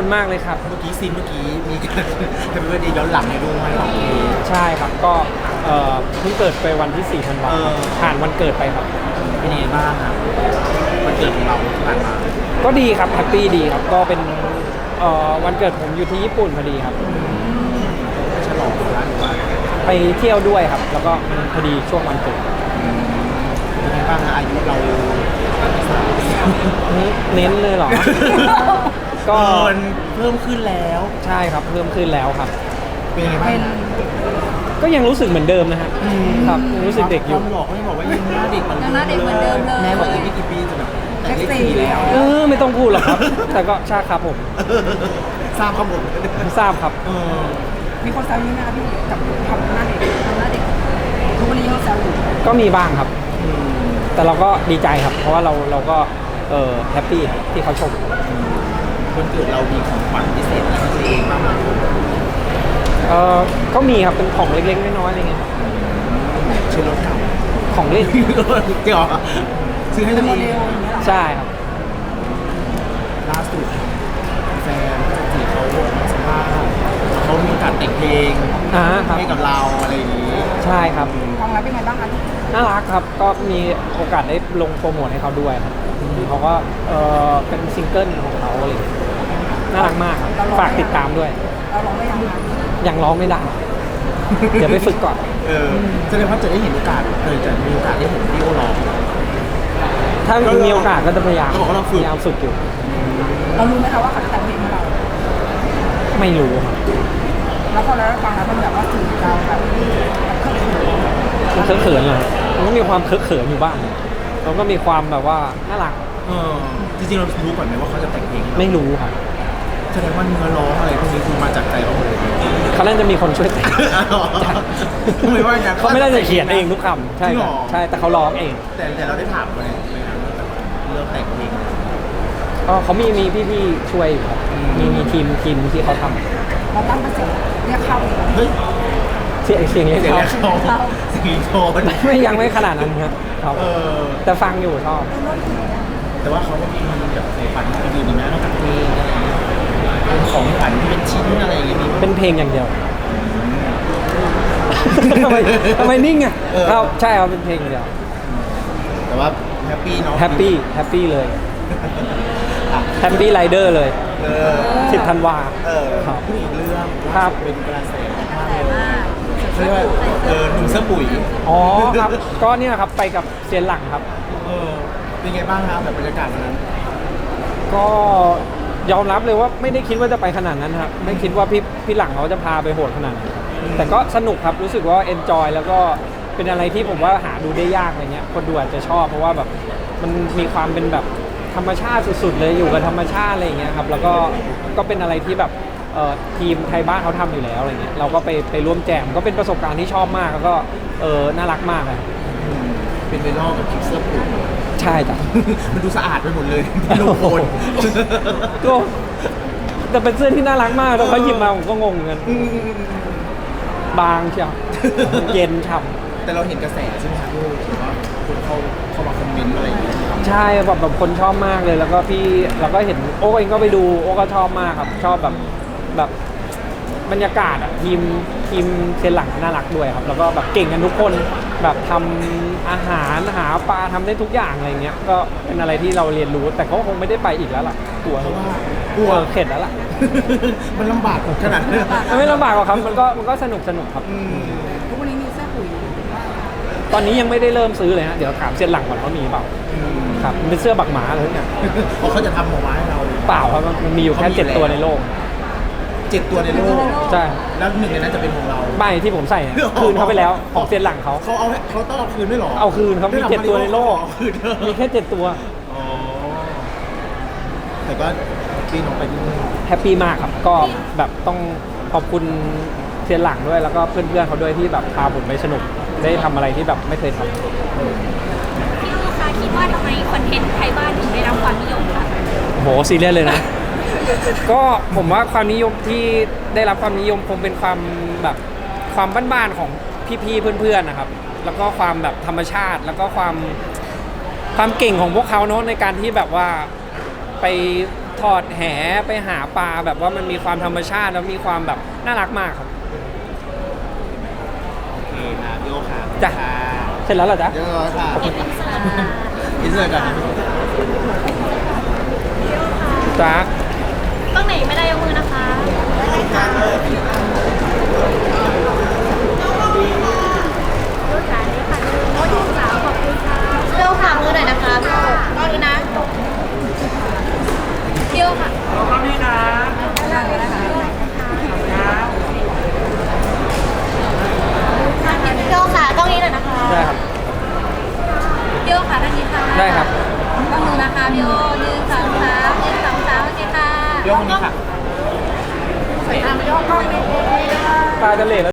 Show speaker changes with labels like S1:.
S1: คุณมากเลยครับ
S2: เมื่อกี้มีการแฮปปี้เบิร์ดเดย์ย้อนหลังให้ด้วยของเอ
S1: ใช่ครับก็เพิ่งเกิดไปวันที่4 ธันวาคมผ่านวันเกิดไปครับ
S2: เป็นยังไงบ้างครับวันเกิดของเราที่ผ่านมา
S1: ก็ดีครับแฮปปี้ดีครับก็เป็นวันเกิดผมอยู่ที่ญี่ปุ่นพอดีครับ
S2: ไม่ฉลองร้านหรือว่า
S1: ไปเที่ยวด้วยครับ แล้วก็มันพอดีช่วงวันเกิด
S2: เป็นยังไงบ้างนะอายุเรา
S1: เน้นเลยเหรอ ก็
S2: มันเพิ่มขึ้นแล้ว
S1: ใช่ครับเพิ่มขึ้นแล้วครับ
S2: เป็นยังไงบ้างนะ
S1: ก็ยังรู้สึกเหมือนเดิมนะฮะครับยังรู้สึกเด็กอยู่
S2: ความหลอกไม่บอกว่ายังหน้าเด็กเหมือน
S3: ยังหน้าเด็กเหมือนเดิมเลย
S2: แม่บอกอีกไม่กี่ปีจะแบบแต่งเลขสี่แล้ว
S1: ไม่ต้องพูดหรอกครับ แต่ก็ใช่ครับผม
S2: ทราบข้อมูล
S1: ทราบครับ
S3: มีคนแซวนี่ไหมคะพี่กับทำหน้าเด็กทุกวันนี้เขาแซวอยู่
S1: ก็มีบ้างครับ แต่เราก็ดีใจครับ เพราะว่าเราก็แฮปปี้ครับที่เขาชม
S2: วันเกิดเรามีของขวัญพิเศษให้ตัวเองบ้างไหม
S1: ก็มีครับเป็นของเล็กๆน้อยๆอะไรเงี้ย
S2: ชื่อรถเก่า
S1: ของเล่น
S2: เกี่ยวซื้อให้ตัว
S3: โม
S2: เอ
S3: เด
S2: ง
S3: ลอย่างเงี้ยเหรอ
S1: ใช่ครับ
S2: ล่าสุดแฟนจีเขาสัมภาษณ์เขามีโอกาสแต่งเพลง
S1: ครับ
S2: ให้กับเราอะไรอย่างนี้
S1: ใช่ครับ
S3: ความรักเป็นไงบ้างคะ
S1: น่ารักครับก็มีโอกาสได้ลงโปรโมทให้เขาด้วยครับเขาก็เป็นซิงเกิลของเขาอะไรอย่างเลยน่ารักมากครับฝากติดตามด้วย
S3: เราลองได้ยังคะ
S1: ยังร้องไม่ได้ เดี๋ยวไปฝึกก่อน
S2: แสดงว่าจะได้เห็นโอกาสจะมีโอกาสได้เห็นพี่โอร้อง
S1: ถ้ามีโอกาสก็จะพยายาม
S2: เขาบอกว่าเราฝึก
S1: พยายามฝึกอยู่
S3: เรารู้ไหมคะว่าเขาจะแต่งเพลงให้เรา
S1: ไม่รู้ครับ
S3: แล้วพอเราได้ฟังแล้วมันแบบว่าถึงเราแบบเครื่องเขิน
S1: มันเขินๆเหรอมันก็มีความเขินๆอยู่บ้างแล้วก็มีความแบบว่าน่ารัก
S2: จริงๆเรารู้ก่อนไหมว่าเขาจะแต่งเพลงให้เรา
S1: ไม่รู้ครับ
S2: แสดงว่าเนื้อร้องอะไรพวกนี้คือมาจากใจเขาหมดเลย
S1: เขาน่าจะมีคนช่วยแต่ง
S2: ทำไมว่าอย่างนั้น
S1: เขาไม่ได้จะเขียนเองทุกคำใช่ครับใช่แต่เขาร้องเอง
S2: แต่เราได้ถามไปเรื่องแต่งเพลง
S1: ก็เขามีพี่ๆช่วยอยู่ครับมีทีมที่เขาทำ
S3: เราตั้งกระแสเรียกเข้าเลย
S2: เฮ้ย
S1: เสียงเรียก
S2: เสียง
S1: เขา
S2: แรกเขาเสียงโทน
S1: ไม่ยังไม่ขนาดนั้นครับครับแต่ฟังอยู่ชอบ
S2: แต่ว่าเขาก็มีแบบในฝันอื่นๆนะนอกจากเพลงอะไรอย่างเงี้ยเป็นของขวัญที่เป็นชิ้นอะไรอย่างเงี้ยมี
S1: เป็นเพลงอย่างเดียว ทำไมนิ่งอ่ะครับใช่ครับเป็นเพลงอย่างเดียว
S2: แต่ว่าแฮปปี้เนาะ
S1: แฮปปี้เลยแฮปปี้ไรเดอร์เลย10 ธันวา ครับ
S2: พูดอีกเรื่อง
S1: ครับ
S2: เป็นกระแสมาก
S3: แต่
S2: เลย
S3: ว่า
S2: เขาเรียกว่าหนุ่มเสื้อปุ๋ย
S1: อ๋อครับ ก็เนี่ยครับไปกับเซียนหลังครับ
S2: เป็นไงบ้างครับแบบบรรยากาศวันนั้น
S1: ก็ยอมรับเลยว่าไม่ได้คิดว่าจะไปขนาดนั้นครับไม่คิดว่าพี่หลังเขาจะพาไปโหดขนาดนั้นแต่ก็สนุกครับรู้สึกว่าเอนจอยแล้วก็เป็นอะไรที่ผมว่าหาดูได้ยากอะไรเงี้ยคนดูอาจจะชอบเพราะว่าแบบมันมีความเป็นแบบธรรมชาติสุดๆเลยอยู่กับธรรมชาติอะไรอย่างเงี้ยครับแล้วก็เป็นอะไรที่แบบทีมไทยบ้านเขาทำอยู่แล้วอะไรเงี้ยเราก็ไปร่วมแจมก็เป็นประสบการณ์ที่ชอบมากแล้วก็น่ารักมากเลย
S2: เป็นไวรัลกับคลิปเสื้อปุ๋ย
S1: ใช่จ้ะ
S2: มันดูสะอาดไปหมดเลยเป็นโลโก้
S1: ก็แต่เป็นเสื้อที่น่ารักมากแล้วเขาหยิบมาผมก็งงเหมือนกันบางเชียวเย็นฉ่ำ
S2: แต่เราเห็นกระแสใช่ไหมครับพี่ถือว่าคนเข้ามาคอมเมนต์อะไรอย่างเงี้ย
S1: ใช่แบบคนชอบมากเลยแล้วก็พี่เราก็เห็นโอ้เองก็ไปดูโอ้ก็ชอบมากครับชอบแบบบรรยากาศอ่ะทีมเซนหลังน่ารักด้วยครับแล้วก็แบบเก่งกันทุกคนแบบทำอาหารหาปลาทำได้ทุกอย่างอะไรเงี้ยก็เป็นอะไรที่เราเรียนรู้แต่เขาคงไม่ได้ไปอีกแล้วล่ะกลัว
S2: เพราะว่ากลัว
S1: เข็ดแล้วล่ะ
S2: มันลำบากขนาดนั้น
S1: มันไม่ลำบากหรอกครับมันก็สนุกครับ
S3: ทุกวันนี้มีเสื้อปุ๋ย
S1: ตอนนี้ยังไม่ได้เริ่มซื้อเลยฮะเดี๋ยวถามเซียนหลังก่อนว่ามีเปล่าครับมันเป็นเสื้อบักหมาเลยเนี่ย
S2: เพราะเขาจะทำออกมาให้เรา
S1: เปล่าครับมันมีอยู่แค่
S2: เขามี
S1: 7 ตัวในโลก
S2: 7 ตัวในโลก
S1: ใช่
S2: แล้ว1ในนั้นจะเป็นของเรา
S1: ใบที่ผมใส่เนี่ยคืนเขาไปแล้วของเซียนหลังเขา
S2: เขาต้องเอาคืนด้วยเหรอ
S1: เอาคืนครับมี
S2: ได้ทำ
S1: 7 ตัวในโลก
S2: เอาคืน
S1: มีแค่ 7 ตัว
S2: อ๋อแต่ก็พี่น้องไปที่นู่น
S1: แฮปปี้มากครับก็แบบต้องขอบคุณเซียนหลังด้วยแล้วก็เพื่อนๆเขาด้วยที่แบบพาผมไปสนุกได้ทำอะไรที่แบบไม่เคยทำ
S4: พี่ลูกค้าคิดว่าทำไมคอนเทนต์ไทยบ้านถึงได้รับความนิยมคะ
S1: โหซีเรียสเลยนะ ก็ผมว่าความนิยมที่ได้รับความนิยมคงเป็นความแบบความบ้านๆของพี่ๆเพื่อนๆนะครับ แล้วก็ความแบบธรรมชาติแล้วก็ความเก่งของพวกเขาเนาะในการที่แบบว่าไปถอดแหไปหาปลาแบบว่ามันมีความธรรมชาติแล้วมีความแบบน่ารักมากครับ
S2: โอเคนะพี่โอค่ะ
S1: จ้ะ เสร็จแล้วเหรอจ๊ะ
S2: เยอะค่ะ
S4: เอ็นอินเสิร์ตค่ะ
S2: อินเสิร์ตก่อน
S1: จ๊ะ
S4: ต้องไหนไม่ได้ยกมือนะคะดูขานี้ค่ะโน้ตดูสาวขอบคุณค่ะเร็วค่ะมือหน่อยนะคะตอนนี้นะเที่ยวค่ะ
S3: ได้เลยนะคะ
S4: เที่ยวค่ะต้องนี้หน่อยนะคะ
S1: ได้ครับ
S4: เที่ยวค่ะท่านนี้ค่ะ
S1: ได้ครับ
S4: ต้องมือนะคะพี่โอ1 2 3 1 2 3โอเคค่ะ
S2: พี่โอคนนี้ค่ะ
S3: สวยงามไม่ยอมกล้องไม่
S1: ปลาจะเหลวแล้ว